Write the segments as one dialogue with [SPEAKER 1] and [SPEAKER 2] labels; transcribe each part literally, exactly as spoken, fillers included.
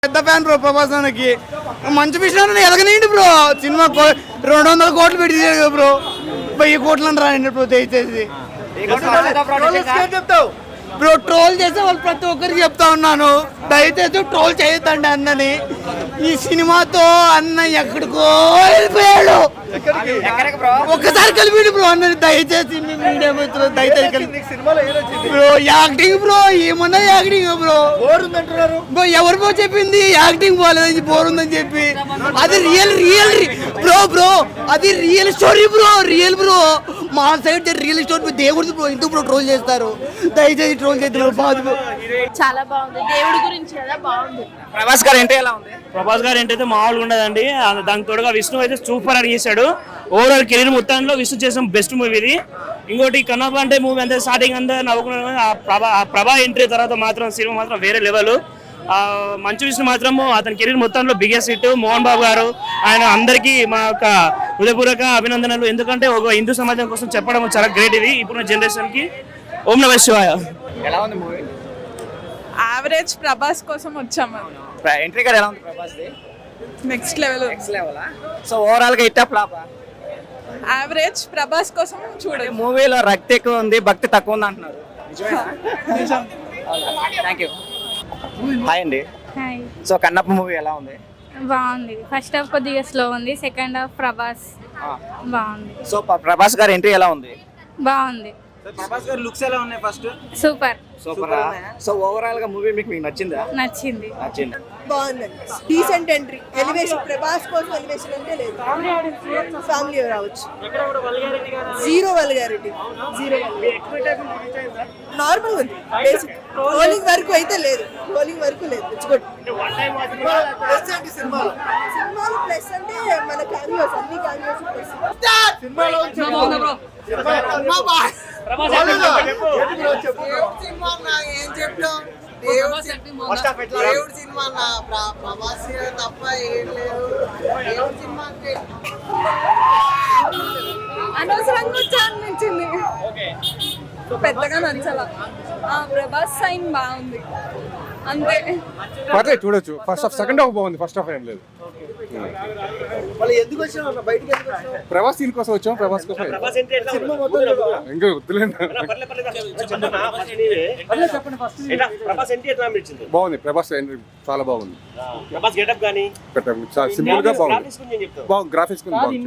[SPEAKER 1] పెద్ద fan bro Prabhas అన్నకి. మంచి విషయం ఎదగనేయండి బ్రో. సినిమా రెండు వందల కోట్లు పెట్టి తీసాడు బ్రో. వెయ్యి కోట్లు అని రాయండి బ్రో దయచేసి. బ్రో ట్రోల్ చేసే వాళ్ళు ప్రతి ఒక్కరికి చెప్తా ఉన్నాను, దయచేసి ట్రోల్ చేయొద్దండి అన్నని. ఈ సినిమాతో అన్న ఎక్కడికో వెళ్ళిపోయాడు. ఒక్కసారి కలిపి బ్రో అన్నది దయచేసి మీడియా మిత్రులు దయచేసి బ్రో. యాక్టింగ్ బ్రో ఏమన్నా యాక్టింగ్ బ్రో. బ్రో ఎవరు బ్రో చెప్పింది యాక్టింగ్ బాగాలేదని బోర్ ఉందని చెప్పి? అది రియల్ రియల్ బ్రో బ్రో అది real story bro. Real bro మా సైడ్ రియల్ స్టోరీ దేవుడి బ్రో. ఎందుకు బ్రో ట్రోల్ చేస్తారు? దయచేసి ట్రోల్ చేస్తారు. బాగుంది,
[SPEAKER 2] చాలా బాగుంది. దేవుడి గురించి కదా బాగుంది.
[SPEAKER 3] ప్రభాస్ గారు ఏంటి ఎలా ఉంది?
[SPEAKER 4] ప్రభాస్ గారు ఏంటైతే మామూలుగా ఉండదండి. దానికి తోడుగా విష్ణు అయితే సూపర్ అని చేశాడు. ఓవరాల్ కెరీర్ మొత్తంలో విష్ణు చేసిన బెస్ట్ మూవీ ఇది. ఇంకోటి కన్నప్ప అంటే మూవీ అంతే స్టార్టింగ్ అంతా నవ్వుకున్నాను. ఆ ప్రభా ఆ ప్రభా ఎంట్రీ తర్వాత మాత్రం సినిమా మాత్రం వేరే లెవెల్. మంచు విష్ణు మాత్రం అతని కెరీర్ మొత్తంలో బిగ్గెస్ట్ హిట్. మోహన్ బాబు గారు ఆయన అందరికీ మా యొక్క హృదయపూర్వక అభినందనలు. ఎందుకంటే ఒక హిందూ సమాజం కోసం చెప్పడం చాలా గ్రేట్ ఇది ఇప్పుడున్న జనరేషన్ కి. ఓం నమః శివాయ.
[SPEAKER 3] ఎలా ఉంది మూవీ?
[SPEAKER 5] యావరేజ్. ప్రభాస్ కోసం వచ్చాము.
[SPEAKER 3] ఎంట్రీ గారు ఎలా ఉంది ప్రభాస్ ది?
[SPEAKER 5] Next level.
[SPEAKER 3] నెక్స్ట్ లెవెలా? సో ఓవరాల్ గా హిట్ ఫ్లాప్?
[SPEAKER 5] యావరేజ్. ప్రభాస్ కోసం చూడండి.
[SPEAKER 3] మూవీలో రక్తి ఎక్కువ ఉంది, భక్తి తక్కువ ఉంది అంటున్నారు. Thank you. హాయ్ అండి.
[SPEAKER 6] హాయ్.
[SPEAKER 3] సో కన్నప్ప మూవీ ఎలా ఉంది?
[SPEAKER 6] బాగుంది. ఫస్ట్ హాఫ్ కొద్దిగా స్లో ఉంది, సెకండ్ హాఫ్ ప్రభాస్ బాగుంది.
[SPEAKER 3] సో ప్రభాస్ గారు ఎంట్రీ ఎలా ఉంది?
[SPEAKER 6] బాగుంది.
[SPEAKER 3] ప్రభాస్ గారు లుక్స్ ఎలా ఉన్నాయి? First
[SPEAKER 6] super
[SPEAKER 3] super. So overall గా మూవీ మీకు మీకు నచ్చిందా?
[SPEAKER 6] నచ్చింది.
[SPEAKER 3] నచ్చింది.
[SPEAKER 7] బాగుందండి. Decent entry. ఎలివేషన్ ప్రభాస్ కోసం ఎలివేషన్ అంటే లేదు. ఫ్యామిలీ రావచ్చు. Zero vulgarity. జీరో నార్మల్ ఉంది. బేసిక్ రోలింగ్ వరకు అయితే లేదు. రోలింగ్ వరకు లేదు. It's good. సినిమాలో ప్లస్ అంటే మన క్యామియోస్ అన్ని క్యామియోస్ ప్లస్. సినిమాలో ఏం చెప్తాం? దేవుడి సినిమా ప్రభాస్ తప్ప ఏం లేదు. దేవుడి సినిమా
[SPEAKER 5] అనవసరంగా వచ్చా అనిపించింది. పెద్దగా నచ్చలా. ప్రభాస్ సైన్ బాగుంది అంతే.
[SPEAKER 8] పర్లేదు చూడొచ్చు. ఫస్ట్ హాఫ్ సెకండ్ హాఫ్ బాగుంది, ఫస్ట్ హాఫ్ ఏం లేదు.
[SPEAKER 7] ఎందుకు వచ్చాం బయటికి?
[SPEAKER 8] ప్రభాస్ సీన్ కోసం వచ్చాం. ప్రభాస్ కోసం ఇంకా వద్దులేదు. బాగుంది. ప్రభాస్ చాలా బాగుంది. సింపుల్ గా బాగుంది. బాగుంది. గ్రాఫిక్స్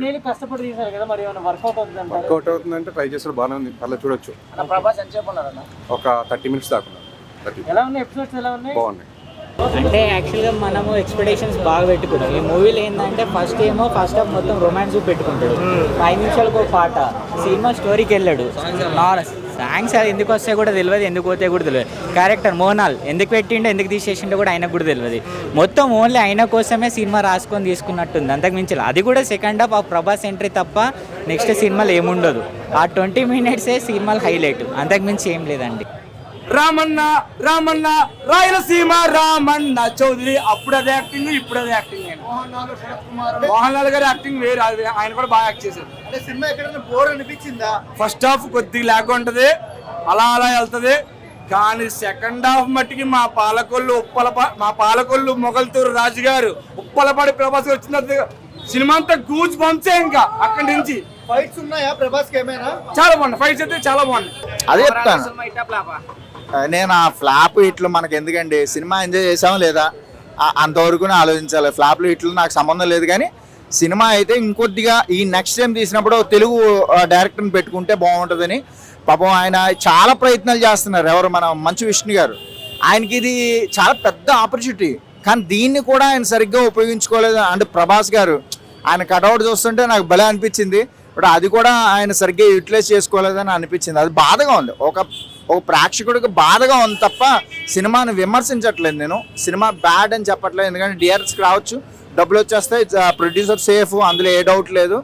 [SPEAKER 8] వర్కౌట్ అవుతుందంటే ట్రై చేస్తారు. బాగానే ఉంది. అలా చూడొచ్చు. ఒక థర్టీ మినిట్స్ దాకా బాగున్నాయి.
[SPEAKER 9] అంటే యాక్చువల్గా మనము ఎక్స్పెక్టేషన్స్ బాగా పెట్టుకున్నాం. ఈ మూవీలో ఏంటంటే ఫస్ట్ ఏమో ఫస్ట్ హాఫ్ మొత్తం రొమాన్స్ పెట్టుకుంటాడు. ఐదు నిమిషాలకు ఒక పాట. సినిమా స్టోరీకి వెళ్ళాడు. నార్మల్ సాంగ్స్ అది ఎందుకు వస్తాయి కూడా తెలియదు, ఎందుకు పోతే కూడా తెలియదు. క్యారెక్టర్ మోహనాల్ ఎందుకు పెట్టిండో ఎందుకు తీసేసిండో కూడా ఆయనకు కూడా తెలియదు. మొత్తం ఓన్లీ ఆయన కోసమే సినిమా రాసుకొని తీసుకున్నట్టుంది. అంతకు మించి అది కూడా సెకండ్ హాఫ్ ఆ ప్రభాస్ ఎంట్రీ తప్ప నెక్స్ట్ సినిమాలో ఏముండదు. ఆ ట్వంటీ మినిట్సే సినిమాలు హైలైట్. అంతకు మించి ఏం లేదండి.
[SPEAKER 4] రామన్న రామన్న రాయలసీమ రామన్న చౌదరి. అప్పుడు అదే యాక్టింగ్, ఇప్పుడు అదే యాక్టింగ్. మోహన్ లాల్ గారి యాక్టింగ్ వేరు. ఆయన కూడా బాగా యాక్ట్ చేశారు.
[SPEAKER 7] సినిమా ఎక్కడైనా బోర్ అనిపించిందా?
[SPEAKER 4] ఫస్ట్ హాఫ్ కొద్దిగా లాగ్ ఉంటది, అలా అలా వెళ్తది. కానీ సెకండ్ హాఫ్ మట్టికి మా పాలకొల్లు ఉప్పల మా పాలకొల్లు మొగల్తూరు రాజు గారు ఉప్పలపాడి ప్రభాస్ వచ్చిన సినిమా అంతా గూజ్ బంప్సే. ఇంకా అక్కడి నుంచి
[SPEAKER 7] ఫైట్స్ ఉన్నాయా ప్రభాస్ కి? ఏమైనా
[SPEAKER 4] చాలా బాగుంది. ఫైట్స్ అయితే చాలా బాగుంది.
[SPEAKER 10] అదే చెప్తాను నేను. ఆ ఫ్లాప్ ఇట్లు మనకి ఎందుకండి? సినిమా ఎంజాయ్ చేసామా లేదా అంతవరకు ఆలోచించాలి. ఫ్లాప్లు ఇట్లు నాకు సంబంధం లేదు. కానీ సినిమా అయితే ఇంకొద్దిగా ఈ నెక్స్ట్ టైం తీసినప్పుడు తెలుగు డైరెక్టర్ని పెట్టుకుంటే బాగుంటుందని. పాపం ఆయన చాలా ప్రయత్నాలు చేస్తున్నారు. ఎవరు? మన మంచు విష్ణు గారు. ఆయనకి ఇది చాలా పెద్ద ఆపర్చునిటీ. కానీ దీన్ని కూడా ఆయన సరిగ్గా ఉపయోగించుకోలేదు. అంటే ప్రభాస్ గారు ఆయన కటౌట్ చూస్తుంటే నాకు భలే అనిపించింది. ఇప్పుడు అది కూడా ఆయన సరిగ్గా యూటిలైజ్ చేసుకోలేదని అనిపించింది. అది బాధగా ఉంది. ఒక ఒక ప్రేక్షకుడికి బాధగా ఉంది తప్ప సినిమాని విమర్శించట్లేదు నేను. సినిమా బ్యాడ్ అని చెప్పట్లేదు. ఎందుకంటే డిఆర్ఎస్కి రావచ్చు, డబ్బులు వచ్చేస్తాయి, ప్రొడ్యూసర్ సేఫ్, అందులో ఏ డౌట్ లేదు.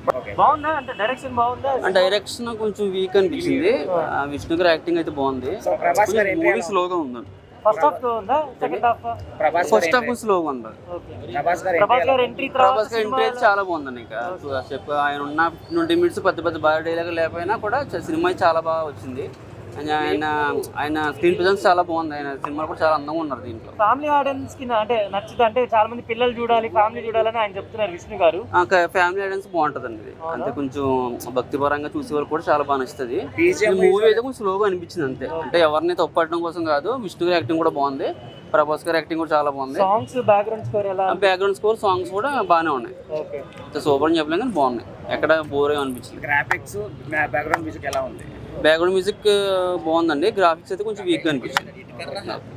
[SPEAKER 11] డైరెక్షన్ కొంచెం వీక్ అనిపించింది. విష్ణు గారి యాక్టింగ్ అయితే బాగుంది. మూవీ స్లోగా ఉంది.
[SPEAKER 9] ఫస్ట్ హాఫ్ ఉందా? Second half?
[SPEAKER 11] ఫస్ట్ హాఫ్ స్లోగా ఉంది.
[SPEAKER 9] ప్రభాస్ గారి ఎంట్రీ
[SPEAKER 11] ప్రభాస్ గారి ఎంట్రీ అయితే చాలా బాగుందండి. ఇంకా చెప్ప ఆయన ఉన్న ట్వంటీ మినిట్స్ పెద్ద పెద్ద బాగా డైలాగ్ లేకపోయినా కూడా సినిమా చాలా బాగా వచ్చింది. ఆయన ఆయన ఆయన స్క్రీన్ ప్రెజెన్స్ చాలా బాగుంది. ఆయన సినిమాలు కూడా చాలా అందంగా ఉన్నారు దీంట్లో.
[SPEAKER 4] ఫ్యామిలీ ఆడియన్స్ కి అంటే నచ్చుతుంది, అంటే చాలా మంది పిల్లలు చూడాలి, ఫ్యామిలీ చూడాలని ఆయన చెప్తున్నారు విష్ణు గారు.
[SPEAKER 11] ఫ్యామిలీ ఆడియన్స్ బాగుంటుందండి ఇది. అంటే కొంచెం భక్తి పరంగా చూసే వాళ్ళు కూడా చాలా బాగా నచ్చుతుంది. మూవీ అయితే కొంచెం స్లోగా అనిపించింది అంతే. అంటే ఎవరిని తప్పట్టడం కోసం కాదు, విష్ణు గారి యాక్టింగ్ కూడా బాగుంది, ప్రభాస్ గారి యాక్టింగ్ కూడా చాలా బాగుంది.
[SPEAKER 4] సాంగ్స్ బ్యాక్గ్రౌండ్ స్కోర్ ఎలా?
[SPEAKER 11] బ్యాక్గ్రౌండ్ స్కోర్ సాంగ్స్ కూడా బాగానే ఉన్నాయి. సూపర్ అని చెప్పలేం కానీ బాగున్నాయి, ఎక్కడ బోర్ అనిపించింది.
[SPEAKER 3] గ్రాఫిక్స్ బ్యాక్గ్రౌండ్ మ్యూజిక్ ఎలా ఉంది?
[SPEAKER 11] బ్యాక్గ్రౌండ్ మ్యూజిక్ బాగుందండి, గ్రాఫిక్స్ అయితే కొంచెం వీక్గా అనిపించింది.